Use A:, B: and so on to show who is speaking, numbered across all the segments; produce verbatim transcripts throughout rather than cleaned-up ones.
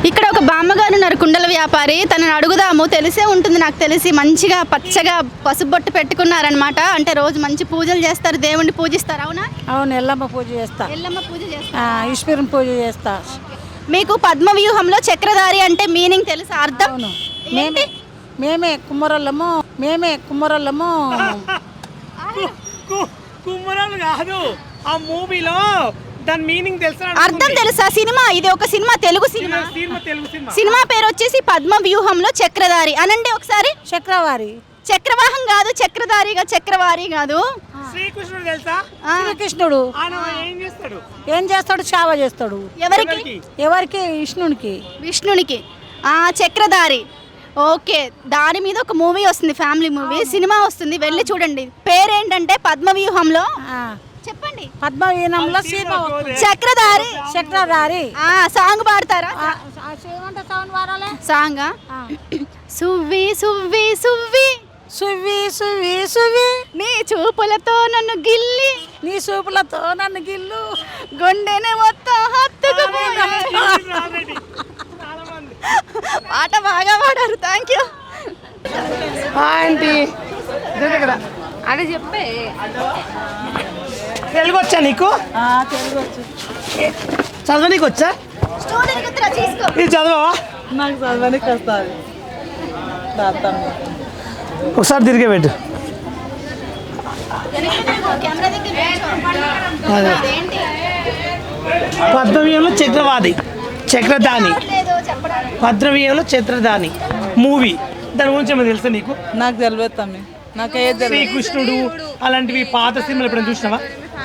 A: ఇక్కడ ఒక బామ్మగారు ఉన్నారు, కుండల వ్యాపారి. తనని అడుగుదాము. తెలిసే ఉంటుంది నాకు తెలిసి. మంచిగా పచ్చగా పసుపు బొట్టు పెట్టుకున్నారనమాట. అంటే రోజు మంచి పూజలు చేస్తారు, దేవుణ్ణి పూజిస్తారు. అవునా?
B: అవును, ఎల్లమ్మ పూజ చేస్తా.
A: ఎల్లమ్మ పూజ చేస్తా,
B: ఈశ్వరం పూజ చేస్తా.
A: మీకు పద్మ వ్యూహంలో చక్రధారి అంటే మీనింగ్ తెలుసా? అర్థం?
B: అవును, మేమే మేమే కుమ్మరోళ్ళము మేమే కుమ్మరోళ్ళము
C: కుమ్మరాలు కాదు, ఆ మూవీలో దాని మీనింగ్ తెలుసా?
A: అర్థం తెలుసా? సినిమా ఇది, ఒక cinema, Telugu cinema.
C: Telugu cinema.
A: Cinema పేరు వచ్చేసి పద్మ వ్యూహంలో చక్రధారి. అనండి ఒకసారి.
B: చక్రవారి.
A: చక్రవాహం కాదు, చక్రధారిగా, చక్రవారి కాదు.
C: శ్రీకృష్ణుడు తెలుసా?
B: శ్రీకృష్ణుడు
C: ఏం చేస్తాడు?
B: ఏం చేస్తాడు? సేవ చేస్తాడు.
A: ఎవరికి?
B: ఎవరికి? విష్ణునికి.
A: విష్ణునికి. ఆ చక్రధారి. ఓకే, దాని మీద ఒక మూవీ వస్తుంది, ఫ్యామిలీ మూవీ, సినిమా వస్తుంది, వెళ్ళి చూడండి. పేరేంటంటే పద్మవ్యూహంలో. చెప్పండి.
B: పద్మవ్యూహంలో
A: చక్రధారి.
B: చక్రధారి.
A: ఆ సాంగ్ పాడతారా? సాంగ్. సువ్వి సువ్వి సువ్వి
B: సువ్వి సువ్వి సువ్వి
A: నీ చూపులతో నన్ను గిల్లి,
B: నీ చూపులతో నన్ను గిల్లు,
A: గుండెనే మొత్తం హత్తుకుపోయి. పాట బాగా పాడారు. Thank you
C: aunty.
A: అది చెప్పే.
C: తెలుగు వచ్చా నీకు?
B: తెలుగు వచ్చు.
C: చదవనీకి వచ్చా? ఇది చదవవా?
B: నాకు చదవనికి వస్తుంది.
C: ఒకసారి తిరిగే పెట్టు. పద్మవ్యూహంలో చక్రవాది చక్రధాని. పద్మవ్యూహంలో చక్రధాని మూవీ, దాని గురించి ఏమో తెలుసా నీకు?
B: నాకు తెలియదు తమ్మి, నాకు ఏ
C: శ్రీకృష్ణుడు అలాంటివి పాత సినిమాలు ఎప్పుడైనా చూసినావా?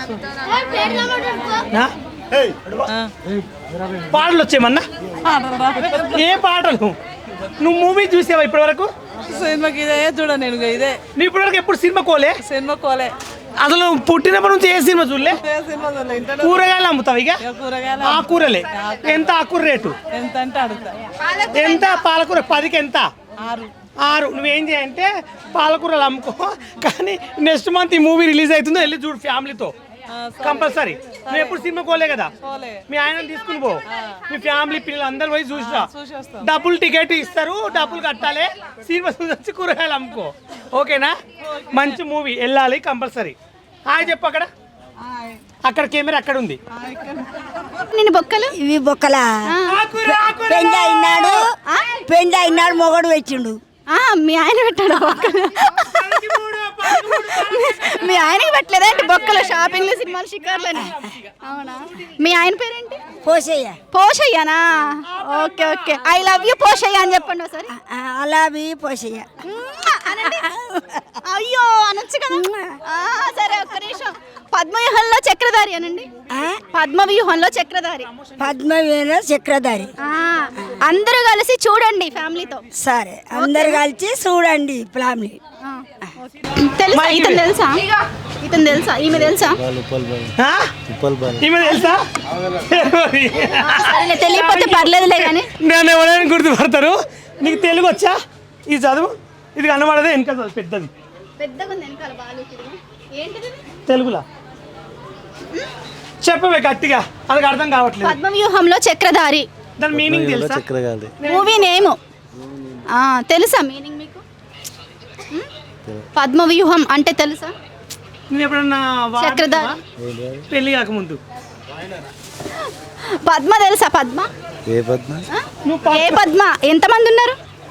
C: పాటలు వచ్చేమన్నా? ఏ పాటలు? నువ్వు మూవీ చూసావా ఇప్పటి వరకు?
B: సినిమాకి ఇదే చూడ నేను. ఇదే
C: నువ్వు ఇప్పటి వరకు ఎప్పుడు సినిమా కోలే?
B: సినిమా కోలే.
C: అసలు పుట్టినప్పటి నుంచి ఏ సినిమా చూడలే? కూరగాయలు అమ్ముతావు ఇక?
B: కూరగాయలు.
C: ఆకూరలే. ఎంత ఆకూర రేటు?
B: ఎంత అంటే అడుగుతా.
C: ఎంత పాలకూర? పదికి ఎంత?
B: ఆరు.
C: ఆరు. నువ్వేం చేయంటే పాలకూరలు అమ్ముకో, కానీ నెక్స్ట్ మంత్ ఈ మూవీ రిలీజ్ అవుతుందో వెళ్ళి చూడు ఫ్యామిలీతో కంపల్సరీ. నువ్వు ఎప్పుడు సినిమా కోలే కదా, మీ ఆయన తీసుకుని పో, మీ ఫ్యామిలీ పిల్లలు అందరు పోయి చూసిరా. డబ్బులు టికెట్ ఇస్తారు, డబ్బులు కట్టాలి, సినిమా చూసి కూరగాయలు అమ్ముకో. ఓకేనా? మంచి మూవీ, వెళ్ళాలి కంపల్సరీ. హాయ్ చెప్పు. అక్కడ అక్కడ కెమెరా అక్కడ ఉంది.
A: నేను బొక్కలు
D: ఇవి బొక్కలా. పెండ అయినాడు, పెండ అయినాడు, మొగడు పెట్టిండు.
A: మీ ఆయన పెట్టాడు బొక్కలు? మీ ఆయనకి పెట్టలేదా అంటే బొక్కలు? షాపింగ్లు, సినిమాలు, షికార్లని. అవునా? మీ ఆయన పేరేంటి?
D: పోషయ్య.
A: పోషయ్యనా? Okay okay. I love you Poshayya అని చెప్పండి ఒకసారి.
D: అలావి పోషయ్య.
A: అయ్యో అనొచ్చు కదా. సరే, ఒక్క నిమిషం. పద్మవ్యూహంలో చక్రధారి అనండి. పద్మవ్యూహంలో చక్రధారి.
D: పద్మవ్యూహంలో చక్రధారి.
A: అందరూ కలిసి చూడండి ఫ్యామిలీతో.
D: సరే, అందరు కలిసి చూడండి ఫ్యామిలీ.
A: తెలుసా? ఇతను తెలుసా? ఇతను తెలుసా? ఈమె తెలుసా?
C: ఈమె తెలుసా?
A: తెలియకపోతే పర్లేదులే కానీ
C: నన్ను ఎవరైనా గుర్తుపడతారు. నీకు తెలుగు వచ్చా? ఇది చదువు. ఇది కనబడదే వెనక పెద్దది,
A: పెద్దగా ఉంది వెనకాల బాలు. ఏంటిది
C: తెలుగులా? చెప్పవే గట్టిగా, అది అర్థం కావట్లేదు.
A: పద్మవ్యూహంలో చక్రధారి
C: దాని మీనింగ్ తెలుసా?
A: మూవీ నేమ్ తెలుసా? మీనింగ్ మీకు? పద్మవ్యూహం అంటే తెలుసా?
C: నేను ఎప్పుడన్నా
A: చక్రధారి
C: పెళ్లి కాకముందు.
A: పద్మ తెలుసా? పద్మ
E: ఏ పద్మ?
A: ఏ పద్మ? ఎంతమంది ఉన్నారు?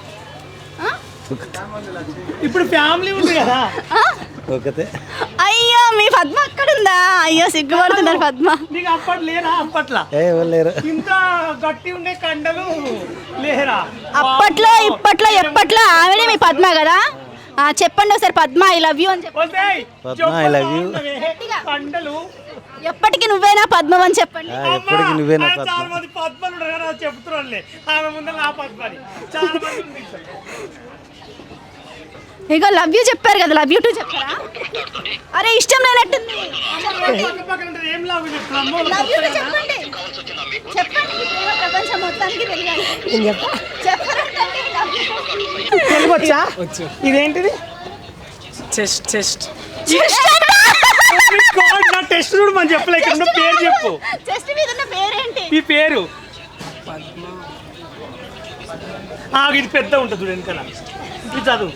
C: ఇప్పుడు ఫ్యామిలీ ఉంది కదా.
E: ఒకతే.
A: అయ్యో, మీ పద్మ అక్కడ ఉందా? అయ్యో, సిగ్గుపడుతున్నారు పద్మ.
C: నీకు అప్పటి లేరా? అప్పట్లా
E: లేరు.
C: ఇంత గట్టి ఉండే కండలు లేరా?
A: అప్పట్లో ఇప్పట్లో ఎప్పట్లో ఆమెనే మీ పద్మ కదా. చెప్పండి ఒకసారి. పద్మ ఐ లవ్ యూ అని చెప్పండి.
E: Padma I love you.
C: కండలు
A: ఎప్పటికి నువ్వేనా పద్మం అని చెప్పండి.
E: ఎప్పటికి నువ్వేనా పద్మ.
C: చాలా మంది పద్మలు చెప్తున్నారులే, ఆమె ముందు నా పద్మని చాలా మంది.
A: ఇక లవ్ యూ చెప్పారు కదా, లవ్ యూ టూ చెప్పారా? అరే ఇష్టం లేనట్టుంది. లవ్ యూ చెప్పండి, చెప్పండి. ప్రపంచం మొత్తానికి తెలియాలి.
C: తెలుగు వచ్చా? ఇదేంటిది?
B: చెస్ట్. చెస్ట్
C: నా టెస్ట్ చూడు మనం చెప్పలే. ఇక్కడ పేరు చెప్పు.
A: చెస్ట్ మీద ఉన్న పేరేంటి?
C: ఈ పేరు ఇది పెద్ద ఉంటుంది చూడు వెనకాల. ఇది చదువు.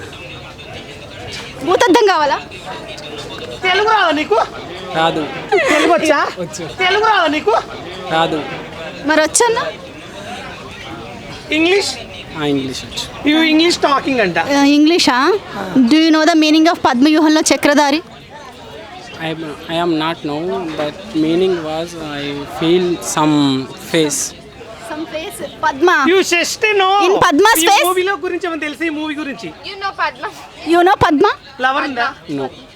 A: భూతద్దం కావాలా?
C: తెలుగు రాదా నీకు?
F: రాదు.
C: తెలుగు వచ్చా?
F: వచ్చు.
C: తెలుగు రాదా నీకు?
F: రాదు.
A: మరి వచ్చన్నా?
C: ఇంగ్లీష్?
F: ఇంగ్లీష్ వచ్చు.
C: యూ ఇంగ్లీష్ టాకింగ్ అంట.
A: ఇంగ్లీషా? Do you know the meaning of పద్మవ్యూహంలో Chakradhari?
F: I I am not know that meaning was I feel some face.
A: Some face. Padma.
C: You just know.
A: In Padma's
C: ఈ
A: face?
C: మూవీలో గురించి ఏమైనా తెలుసా? ఈ మూవీ గురించి
A: యు నో పద్మ?
C: లవర్ ఉందా?
F: No.